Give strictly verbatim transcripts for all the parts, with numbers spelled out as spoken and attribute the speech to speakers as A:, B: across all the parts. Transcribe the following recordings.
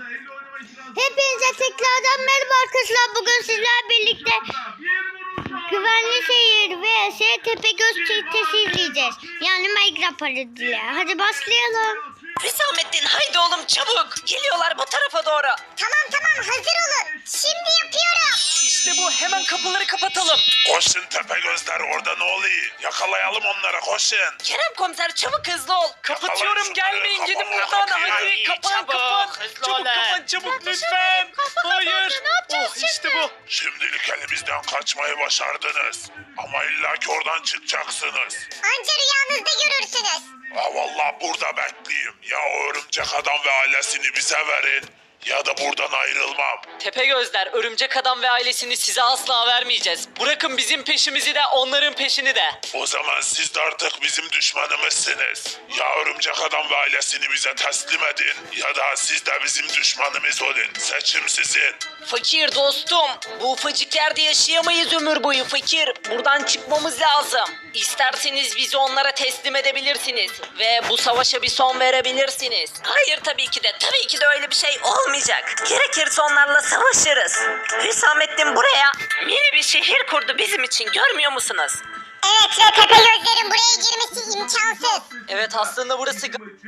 A: Hepinize tekrardan merhaba arkadaşlar. Bugün sizlerle birlikte Güvenli Şehir vs Tepegöz çetesi izleyeceğiz. Yani Minecraft parodiyle. Hadi başlayalım.
B: Hüsamettin haydi oğlum çabuk. Geliyorlar bu tarafa doğru.
A: Tamam tamam hazır olun. Şimdi yapıyorum.
B: İşte bu, hemen kapıları kapatalım.
C: Koşun Tepegözler, orada ne oluyor? Yakalayalım onları, koşun.
B: Kerem komiser çabuk hızlı ol. Kapatıyorum,
C: şunları,
B: gelmeyin, gidin
C: kapalı,
B: buradan.
C: kapıyı.
B: Hadi kapan
D: Çabuk,
B: kapan.
D: hızlı
B: Çabuk
D: olun.
B: kapan çabuk lütfen. Hayır. Oh işte bu.
C: Şimdilik elimizden kaçmayı başardınız. Ama illaki oradan çıkacaksınız.
A: Anca rüyanızda görürsünüz.
C: Ha vallahi burada bekleyeyim. Ya o örümcek adam ve ailesini bize verin, ya da buradan ayrılmam.
B: Tepegözler, örümcek adam ve ailesini size asla vermeyeceğiz. Bırakın bizim peşimizi de onların peşini de.
C: O zaman siz de artık bizim düşmanımızsınız. Ya örümcek adam ve ailesini bize teslim edin, ya da siz de bizim düşmanımız olun. Seçim sizin.
B: Fakir dostum, bu ufacık yerde yaşayamayız ömür boyu fakir. Buradan çıkmamız lazım. İsterseniz bizi onlara teslim edebilirsiniz ve bu savaşa bir son verebilirsiniz. Hayır tabii ki de, tabii ki de öyle bir şey olmayacak. Gerekirse onlarla savaşırız. Hüsamettin buraya mini bir şehir kurdu bizim için, görmüyor musunuz?
A: Evet ve Tepegözlerin buraya girmesi imkansız.
B: Evet, aslında burası...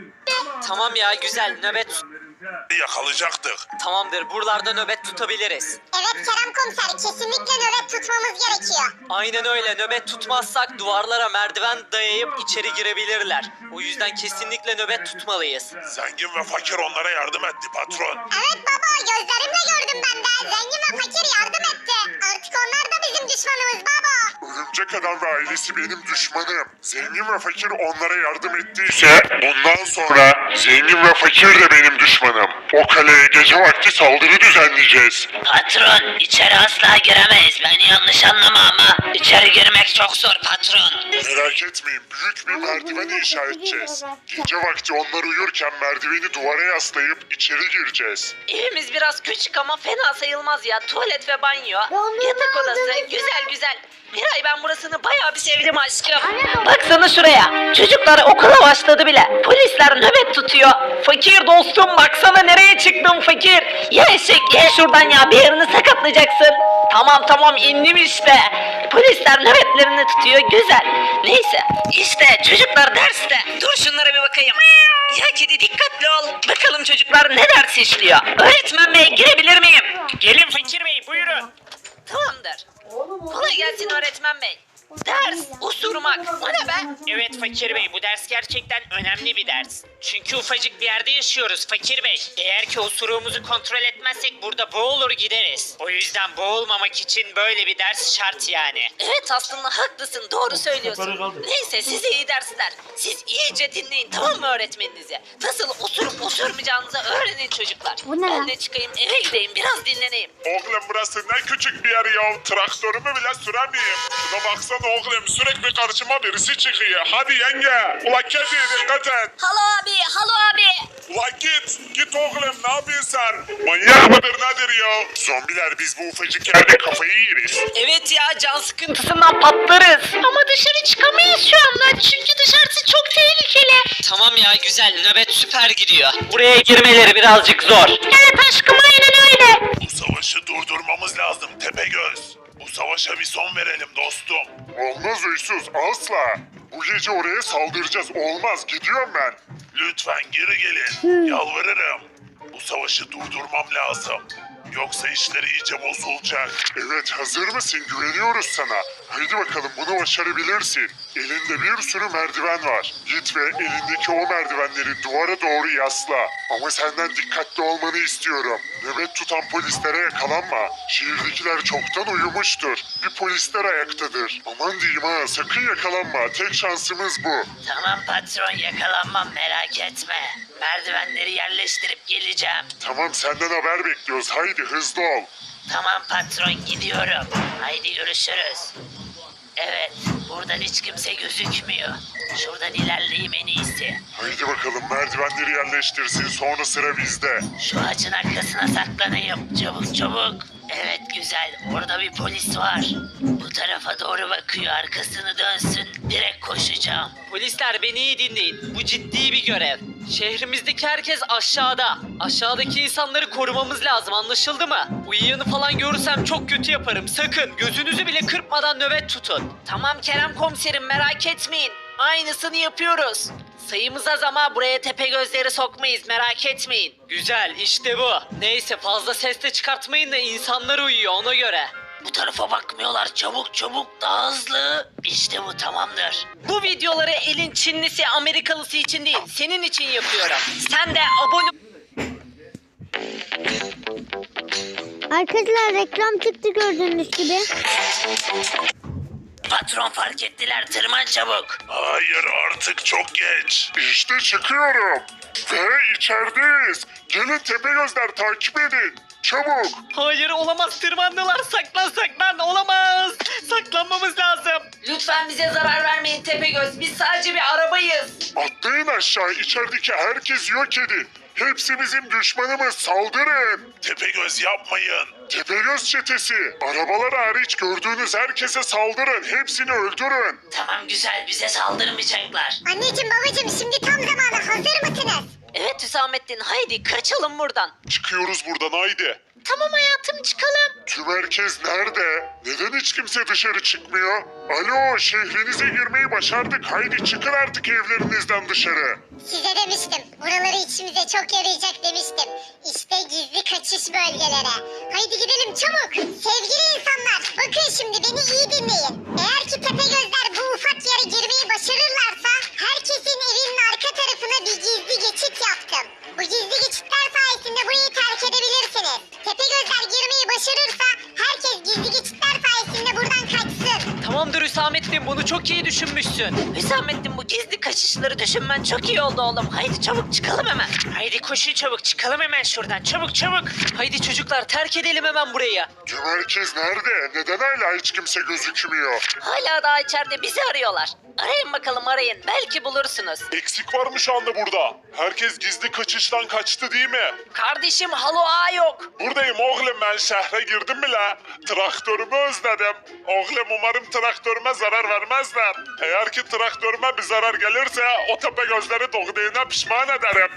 B: Tamam ya, güzel, nöbet...
C: Yakalayacaktık.
B: Tamamdır, buralarda nöbet tutabiliriz.
A: Evet Kerem komiser, kesinlikle nöbet tutmamız gerekiyor.
B: Aynen öyle, nöbet tutmazsak duvarlara merdiven dayayıp içeri girebilirler. O yüzden kesinlikle nöbet tutmalıyız.
C: Zengin ve fakir onlara yardım etti patron.
A: Evet baba, gözlerimle gördüm ben de. Zengin ve fakir yardım etti. Artık onlar da bizim düşmanımız baba.
C: Örümcek adam ve ailesi benim düşmanım. Zengin ve fakir onlara yardım ettiyse bundan sonra zengin ve fakir de benim düşmanım. O kaleye gece vakti saldırı düzenleyeceğiz.
D: Patron, içeri asla giremeyiz. Beni yanlış anlama ama içeri girmek çok zor patron.
C: Merak etmeyin, büyük bir merdiven inşa edeceğiz. Gece vakti onlar uyurken merdiveni duvara yaslayıp içeri gireceğiz.
B: Evimiz biraz küçük ama fena sayılmaz ya. Tuvalet ve banyo,
A: Dondurma
B: yatak odası,
A: aldınız
B: güzel güzel. Miray, ben burasını bayağı bir sevdim aşkım. Baksana şuraya. Çocuklar okula başladı bile. Polisler nöbet tutuyor. Fakir dostum, baksana nereye çıktın fakir. Ya eşek, ye şuradan ya, bir yerini sakatlayacaksın. Tamam tamam, indim işte. Polisler nöbetlerini tutuyor, güzel. Neyse işte çocuklar derste. Dur şunlara bir bakayım. Ya kedi, dikkatli ol. Bakalım çocuklar ne ders işliyor. Öğretmen bey, girebilir miyim?
D: Gelin Fakir Bey, buyurun.
B: Tamamdır. Kolay gelsin öğretmen bey. Ders osurmak. O ne be?
D: Evet Fakir Bey, bu ders gerçekten önemli bir ders. Çünkü ufacık bir yerde yaşıyoruz Fakir Bey. Eğer ki osuruğumuzu kontrol etmezsek burada boğulur gideriz. O yüzden boğulmamak için böyle bir ders şart yani.
B: Evet, aslında haklısın, doğru söylüyorsun. Neyse, size iyi dersler. Siz iyice dinleyin, tamam mı öğretmeninizi? Nasıl osurup osurmayacağınızı öğrenin çocuklar.
A: Bu ne
B: Ben
A: lan?
B: de çıkayım, eve gideyim, biraz dinleneyim.
C: Oğlum burası ne küçük bir yer ya. Traktörümü bile süremeyeyim. Şuna baksana oğlum, sürekli karşıma birisi çıkıyor. Hadi yenge. Ula kedi, dikkat et.
B: Halo abi, halo abi.
C: Ula git. Git oğlum, ne yapıyorsun sen? Manyak mıdır nedir ya? Zombiler, biz bu ufacık yerde kafayı yeriz.
B: Evet ya, can sıkıntısından patlarız. Ama dışarı çıkamayız şu anda çünkü dışarısı çok tehlikeli. Tamam ya, güzel, nöbet süper gidiyor. Buraya girmeleri birazcık zor.
A: Evet aşkım, aynen öyle.
C: Bu savaşı durdurmamız lazım Tepegöz. Bu savaşa bir son verelim dostum. Olmaz uysuz, asla. Bu gece oraya saldıracağız. Olmaz, gidiyorum ben. Lütfen geri gelin. Yalvarırım. Bu savaşı durdurmam lazım. Yoksa işleri iyice bozulacak. Evet, hazır mısın? Güveniyoruz sana. Haydi bakalım, bunu başarabilirsin. Elinde bir sürü merdiven var. Git ve elindeki o merdivenleri duvara doğru yasla. Ama senden dikkatli olmanı istiyorum. Nöbet tutan polislere yakalanma. Şehirdekiler çoktan uyumuştur. Bir polisler ayaktadır. Aman diyeyim ha, sakın yakalanma. Tek şansımız bu.
D: Tamam patron, yakalanmam, merak etme. Merdivenleri yerleştirip geleceğim.
C: Tamam, senden haber bekliyoruz. Haydi hızlı ol.
D: Tamam patron, gidiyorum. Haydi görüşürüz. Evet, buradan hiç kimse gözükmüyor. Şuradan ilerleyeyim en iyisi.
C: Haydi bakalım, merdivenleri yerleştirsin, sonra sıra bizde.
D: Şu ağacın arkasına saklanayım. Çabuk çabuk.
B: Evet güzel. Orada bir polis var. Bu tarafa doğru bakıyor. Arkasını dönsün. Direkt koşacağım.
D: Polisler beni iyi dinleyin. Bu ciddi bir görev. Şehrimizdeki herkes aşağıda. Aşağıdaki insanları korumamız lazım, anlaşıldı mı? Uyuyanı falan görürsem çok kötü yaparım. Sakın gözünüzü bile kırpmadan nöbet tutun. Tamam Kerem komiserim, merak etmeyin. Aynısını yapıyoruz. Sayımız az ama buraya tepe gözleri sokmayız, merak etmeyin. Güzel, işte bu. Neyse fazla ses de çıkartmayın da insanlar uyuyor, ona göre.
B: Bu tarafa bakmıyorlar. Çabuk çabuk. Daha hızlı. İşte bu tamamdır.
D: Bu videoları elin Çinlisi Amerikalısı için değil, senin için yapıyorum. Sen de abone...
A: Arkadaşlar reklam çıktı gördüğünüz gibi.
B: Patron fark ettiler. Tırman çabuk.
C: Hayır artık çok geç. İşte çıkıyorum. Ve içerideyiz. Gelin Tepegözler takip edin. Çabuk.
D: Hayır olamaz, tırmandılar, saklan saklan, olamaz. Saklanmamız lazım. Lütfen bize zarar vermeyin Tepegöz, biz sadece bir arabayız.
C: Atlayın aşağı. İçerideki herkes yok edin. Hepsi bizim düşmanımız. Saldırın. Tepegöz yapmayın. Tepegöz çetesi. Arabalar hariç gördüğünüz herkese saldırın. Hepsini öldürün.
B: Tamam güzel. Bize saldırmayacaklar.
A: Anneciğim babacığım şimdi tam zamanı, hazır mısınız?
B: Evet Hüsamettin. Haydi kaçalım buradan.
C: Çıkıyoruz buradan haydi.
B: Tamam hayatım çıkalım.
C: Tüm herkes nerede? Neden hiç kimse dışarı çıkmıyor? Alo, şehrinize girmeyi başardık. Haydi çıkın artık evlerinizden dışarı.
A: Size demiştim. Buraları içimize çok yarayacak demiştim. İşte gizli kaçış bölgelere. Haydi gidelim çabuk. Sevgili insanlar, bakın şimdi beni iyi dinleyin. Eğer ki Tepegözler bu ufak yere girmeyi başarırlarsa herkesin evinin arka tarafına bir gizli geçit yaptım. Bu gizli geçitler sayesinde burayı terk edebilirsiniz. Tepegözler girmeyi başarırsa herkes gizli geçitler sayesinde buradan kaçsın.
D: Tamamdır Hüsamettin, bunu çok iyi düşünmüşsün.
B: Hüsamettin bu gizli kaçışları düşünmen çok iyi oldu oğlum. Haydi çabuk çıkalım hemen.
D: Haydi koşun çabuk, çıkalım hemen şuradan, çabuk çabuk. Haydi çocuklar, terk edelim hemen burayı.
C: Tüm herkes nerede? Neden hala hiç kimse gözükmüyor?
B: Hala daha içeride bizi arıyorlar. Arayın bakalım arayın. Belki bulursunuz.
C: Eksik var mı şu anda burada? Herkes gizli kaçıştan kaçtı değil mi?
B: Kardeşim halo ağa yok.
C: Buradayım oğlum, ben şehre girdim bile. Traktörümü özledim. Oğlum umarım traktörüme zarar vermezler. Eğer ki traktörüme bir zarar gelirse o tepe gözleri doğduğuna pişman ederim.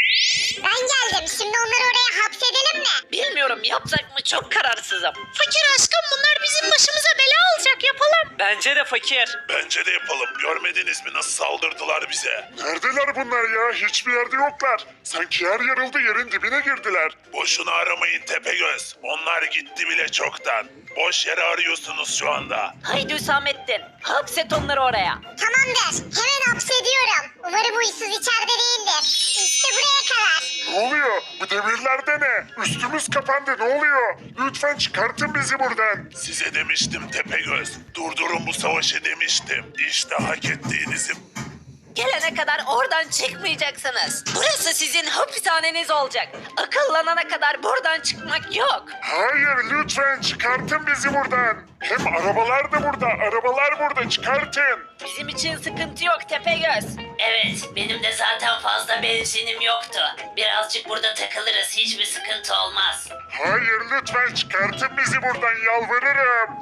A: Ben geldim. Şimdi onları oraya hapsedelim mi?
B: Bilmiyorum yapsak mı çok kararsızım.
A: Fakir aşkım, bunlar bizim başımıza bela olacak, yapalım.
D: Bence de fakir.
C: Bence de yapalım. Görmediniz mi nasıl saldırdılar bize? Neredeler bunlar ya? Hiçbir yerde yoklar. Sanki yer yarıldı, yerin dibine girdiler. Boşuna aramayın Tepegöz. Onlar gitti bile çoktan. Boş yere arıyorsunuz şu anda.
B: Haydi Hüsamettin. Hapset onları oraya.
A: Tamamdır. Hemen hapsediyorum. Umarım huysuz içeride değildir. İşte buraya kadar.
C: Ne oluyor? Bu demirlerde ne? Üstümüz kapandı, ne oluyor? Lütfen çıkartın bizi buradan. Size demiştim Tepegöz. Durdurun bu savaşı demiştim. İşte hak ettiğinizi...
B: Gelene kadar oradan çıkmayacaksınız. Burası sizin hapishaneniz olacak. Akıllanana kadar buradan çıkmak yok.
C: Hayır, lütfen çıkartın bizi buradan. Hem arabalar da burada, arabalar burada, çıkartın.
B: Bizim için sıkıntı yok Tepegöz. Evet, benim de zaten fazla benzinim yoktu. Birazcık burada takılırız, hiçbir sıkıntı olmaz.
C: Hayır, lütfen çıkartın bizi buradan, yalvarırım.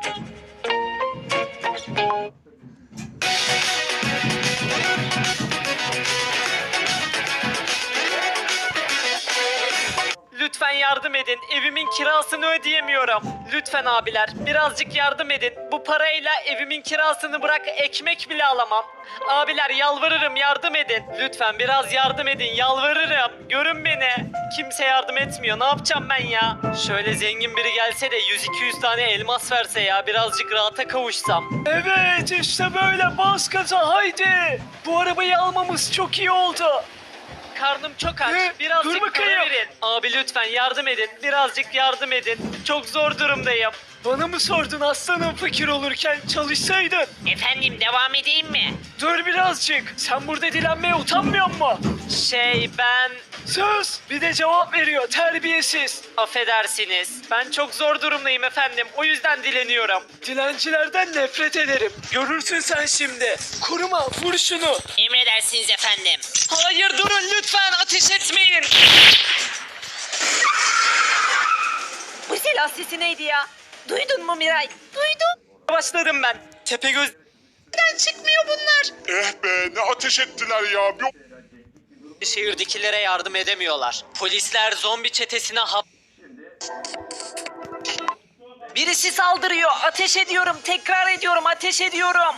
D: Lütfen yardım edin. Evimin kirasını ödeyemiyorum. Lütfen abiler birazcık yardım edin. Bu parayla evimin kirasını bırak ekmek bile alamam. Abiler yalvarırım yardım edin. Lütfen biraz yardım edin yalvarırım. Görün beni. Kimse yardım etmiyor. Ne yapacağım ben ya? Şöyle zengin biri gelse de yüz iki yüz tane elmas verse ya birazcık rahata kavuşsam. Evet işte böyle bas gaza haydi. Bu arabayı almamız çok iyi oldu. Karnım çok aç.
E: Ne?
D: Birazcık
E: Dur bakayım.
D: para verin. Abi lütfen yardım edin. Birazcık yardım edin. Çok zor durumdayım.
E: Bana mı sordun aslanım fakir olurken çalışsaydın?
B: Efendim devam edeyim mi?
E: Dur birazcık. Sen burada dilenmeye utanmıyor musun?
D: Şey ben...
E: Sus! Bir de cevap veriyor terbiyesiz.
D: Affedersiniz. Ben çok zor durumdayım efendim. O yüzden dileniyorum.
E: Dilencilerden nefret ederim. Görürsün sen şimdi. Koruma vur şunu.
B: Emredersiniz efendim.
D: Hayır durun lütfen ateş etmeyin.
B: Bu silah sesi neydi ya? Duydun mu Miray? Duydum.
E: Başladım ben. Tepegöz
B: Neden çıkmıyor bunlar?
C: Eh be ne ateş ettiler ya. Yok.
E: şehirdekilere yardım edemiyorlar. Polisler zombi çetesine hap...
B: Birisi saldırıyor. Ateş ediyorum. Tekrar ediyorum. Ateş ediyorum.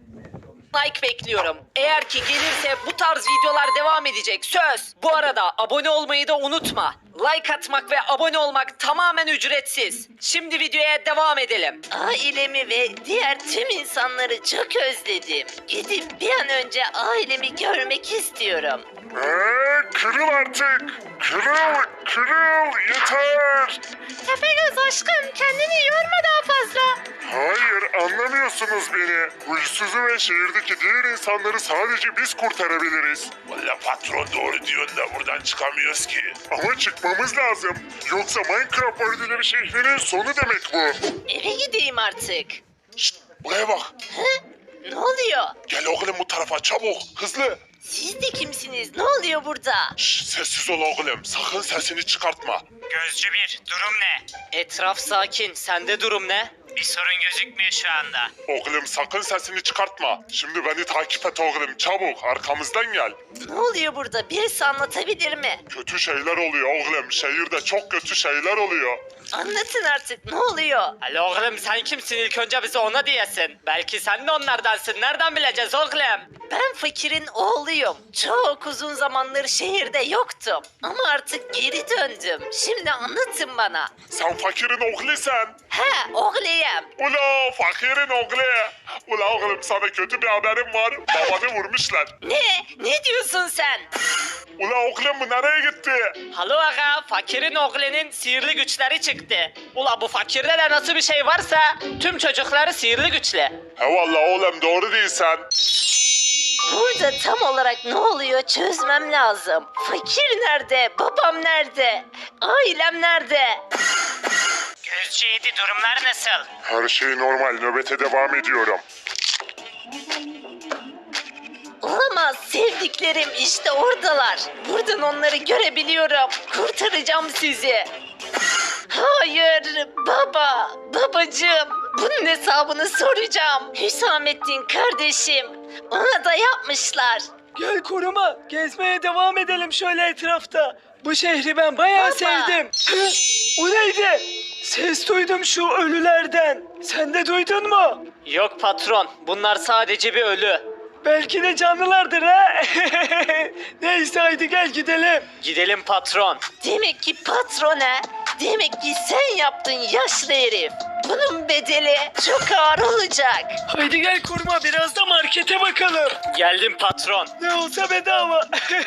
B: Like bekliyorum. Eğer ki gelirse bu tarz videolar devam edecek. Söz. Bu arada abone olmayı da unutma. Like atmak ve abone olmak tamamen ücretsiz. Şimdi videoya devam edelim. Ailemi ve diğer tüm insanları çok özledim. Gidip bir an önce ailemi görmek istiyorum.
C: Eee kırıl artık. Kırıl, kırıl yeter.
B: Tepegöz aşkım kendini yorma daha fazla.
C: Hayır anlamıyorsunuz beni. Huysuzu ve şehirdeki diğer insanları sadece biz kurtarabiliriz. Valla patron doğru diyorsun da buradan çıkamıyoruz ki. Ama çıkmamız lazım. Yoksa Minecraft Parodileri şehrinin sonu demek bu.
B: Eve gideyim artık.
C: Şşt buraya bak.
B: Hı? Ne oluyor?
C: Gel oğlum bu tarafa çabuk hızlı.
B: Siz de kimsiniz? Ne oluyor burada?
C: Şşt sessiz ol oğlum sakın sesini çıkartma.
D: Gözcü bir, durum ne?
E: Etraf sakin. Sende durum ne?
D: Bir sorun gözükmüyor şu anda.
C: Oğlum sakın sesini çıkartma. Şimdi beni takip et oğlum çabuk arkamızdan gel.
B: Ne oluyor burada? Birisi anlatabilir mi?
C: Kötü şeyler oluyor oğlum. Şehirde çok kötü şeyler oluyor.
B: Anlatın artık ne oluyor?
E: Alo oğlum sen kimsin? İlk önce bize ona diyesin. Belki sen de onlardansın. Nereden bileceğiz oğlum?
B: Ben fakirin oğluyum. Çok uzun zamandır şehirde yoktum. Ama artık geri döndüm. Şimdi anlatın bana.
C: Sen fakirin oğlusun.
B: He oğluyum.
C: Ula fakirin oğlu. Ula oğlum sana kötü bir haberim var. Babanı vurmuşlar.
B: Ne? Ne diyorsun sen?
C: Ula oğlum bu nereye gitti?
E: Halo aga, fakirin oğlunun sihirli güçleri çıktı. Ula bu fakirde de nasıl bir şey varsa tüm çocukları sihirli güçlü.
C: He valla oğlum doğru değilsen.
B: Burada tam olarak ne oluyor çözmem lazım. Fakir nerede? Babam nerede? Ailem nerede?
D: Gözcü yedi, durumlar nasıl?
C: Her şey normal nöbete devam ediyorum.
B: Olamaz sevdiklerim işte oradalar. Buradan onları görebiliyorum. Kurtaracağım sizi. Hayır baba, babacığım. Bunun hesabını soracağım. Hüsamettin kardeşim. Ona da yapmışlar.
E: Gel koruma, gezmeye devam edelim şöyle etrafta. Bu şehri ben bayağı
B: Baba.
E: sevdim. Hı? O neydi? Ses duydum şu ölülerden. Sen de duydun mu? Yok patron, bunlar sadece bir ölü. Belki de canlılardır ha. Neyse haydi gel gidelim. Gidelim patron.
B: Demek ki patrona, demek ki sen yaptın yaşlı herif. Bunun bedeli çok ağır olacak.
E: Haydi gel koruma biraz da markete bakalım. Geldim patron. Ne olsa bedava.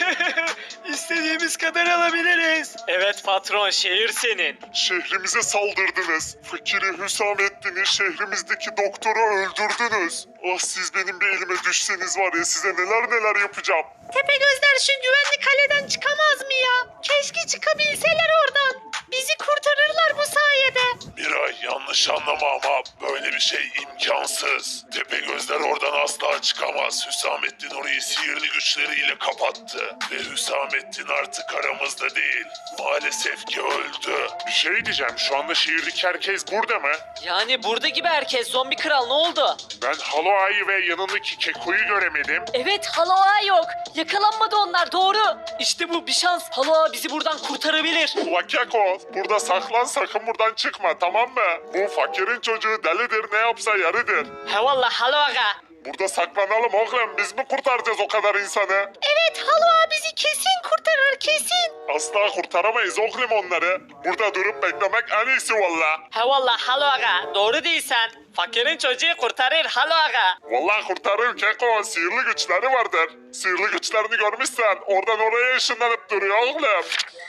E: İstediğimiz kadar alabiliriz. Evet patron şehir senin.
C: Şehrimize saldırdınız. Fakiri Hüsamettin'i şehrimizdeki doktoru öldürdünüz. Ah siz benim bir elime düşseniz var ya size neler neler yapacağım.
B: Tepegözler şu güvenli kaleden çıkamaz mı ya? Keşke çıkabilseler oradan. Bizi kurtarırlar bu sayede.
C: Miray yanlış anlama ama böyle bir şey imkansız. Tepegözler oradan asla çıkamaz. Hüsamettin orayı sihirli güçleriyle kapattı. Ve Hüsamettin artık aramızda değil. Maalesef ki öldü. Bir şey diyeceğim şu anda şehirdeki herkes burada mı?
E: Yani burada gibi herkes zombi kral ne oldu?
C: Ben Haloa'yı ve yanındaki Keko'yu göremedim.
E: Evet Haloa yok. Yakalanmadı onlar doğru. İşte bu bir şans. Haloa bizi buradan kurtarabilir.
C: Ula Keko burada saklan sakın buradan çıkma tamam mı? Bu fakirin çocuğu delidir ne yapsa yarıdır.
E: He valla Haloa.
C: Burada saklanalım oğlum biz mi kurtaracağız o kadar insanı?
B: Evet Haloa bizi kesin kurtarır kesin.
C: Asla kurtaramayız oğlum onları. Burada durup beklemek en iyisi valla.
E: He valla Haloa. Doğru değilsen. Fakirin çocuğu kurtarır Haloa.
C: Vallahi kurtarır Keko sihirli güçleri vardır. Sihirli güçlerini görmüşsen oradan oraya ışınlanıp duruyor oğlum.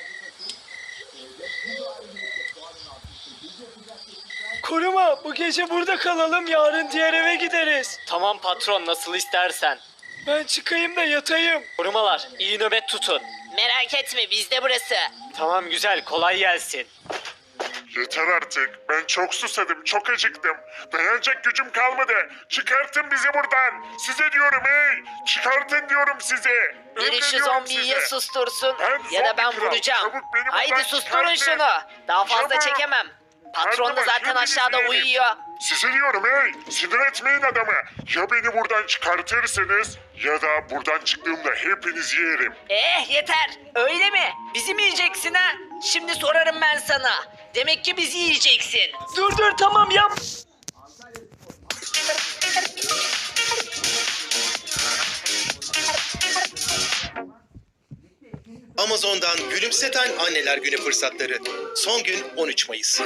E: Koruma bu gece burada kalalım yarın diğer eve gideriz. Tamam patron nasıl istersen. Ben çıkayım da yatayım. Korumalar iyi nöbet tutun.
B: Merak etme bizde burası.
E: Tamam güzel kolay gelsin.
C: Yeter artık. Ben çok susadım, çok acıktım. Dayanacak gücüm kalmadı. Çıkartın bizi buradan. Size diyorum hey. Çıkartın diyorum size.
B: Biri şu
C: Emrediyorum
B: zombiyi
C: size.
B: ya sustursun
C: Ben
B: ya da ben
C: zombi kral.
B: vuracağım.
C: Çabuk beni
B: Haydi
C: buradan
B: susturun
C: çıkartın.
B: şunu. Daha fazla
C: Çabuk.
B: çekemem. Patron da
C: Her zaman
B: zaten
C: hepinizi
B: aşağıda
C: yerim.
B: uyuyor.
C: Size diyorum hey, sinir etmeyin adamı. Ya beni buradan çıkartırsınız ya da buradan çıktığımda hepinizi yerim.
B: Eh yeter. Öyle mi? Bizi mi yiyeceksin ha? Şimdi sorarım ben sana. Demek ki bizi yiyeceksin.
E: Dur dur tamam yap.
F: Amazon'dan gülümseten anneler günü fırsatları. Son gün on üç Mayıs.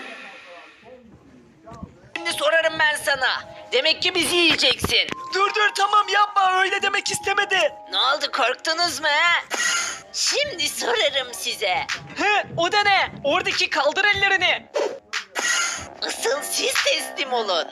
B: Şimdi sorarım ben sana. Demek ki bizi yiyeceksin.
E: Dur dur tamam yapma öyle demek istemedi.
B: Ne oldu korktunuz mu he? Şimdi sorarım size.
E: He o da ne? Oradaki kaldır ellerini.
B: Asıl siz teslim olun.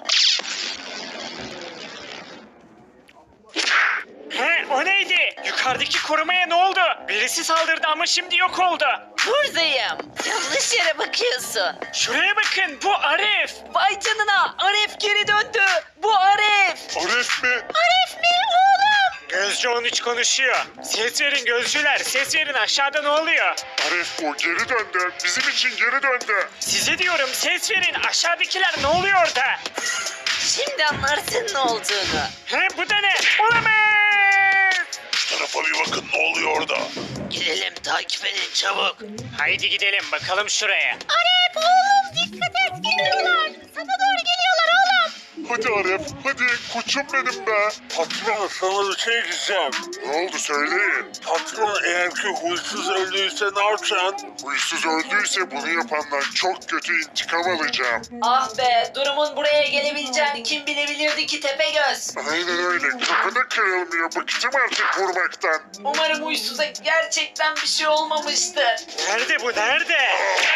E: He o neydi? Yukarıdaki korumaya ne oldu? Birisi saldırdı ama şimdi yok oldu.
B: Buradayım. Yanlış yere bakıyorsun.
E: Şuraya bakın bu Arif.
B: Vay canına Aref geri döndü. Bu Aref.
C: Arif mi?
B: Aref mi oğlum?
E: Gözcü on üç konuşuyor. Ses verin gözcüler ses verin aşağıda ne oluyor?
C: Arif bu geri döndü. Bizim için geri döndü.
E: Size diyorum ses verin aşağıdakiler ne oluyor orada?
B: Şimdi anlarsın ne olduğunu.
E: He bu da ne? Olamaz.
C: Şu tarafa bir bakın ne oluyor orada.
B: Gidelim takip edin çabuk.
E: Haydi gidelim bakalım şuraya.
B: Aref oğlum dikkat et geliyorlar. Sana doğru geliyorlar oğlum.
C: Hadi Arif hadi koçum benim be. Patron sana bir şey diyeceğim. Ne oldu söyleyin. Patron eğer ki huysuz öldüyse ne yapacaksın? Huysuz öldüyse bunu yapandan çok kötü intikam alacağım.
B: Ah be durumun buraya gelebileceğini kim bilebilirdi ki Tepegöz.
C: Aynen öyle kafanı kırılmıyor bıktım artık vurmaktan.
B: Umarım uysuza gerçekten bir şey olmamıştır.
E: Nerede bu nerede?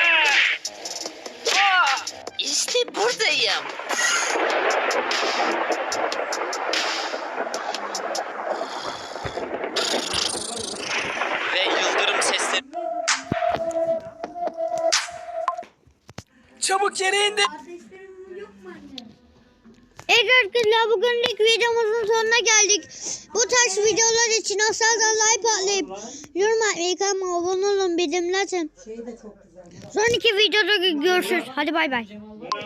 B: Aa, işte buradayım.
F: Ve yıldırım sesleri.
E: Çabuk yere indi.
A: Evet arkadaşlar bugünlük videomuzun sonuna geldik. Bu tarz videolar için aşağıdan like atlayıp yorum atmayı, kanalıma abone olun, bildirimleri açın. Sonraki videoda görüşürüz. Hadi bay bay.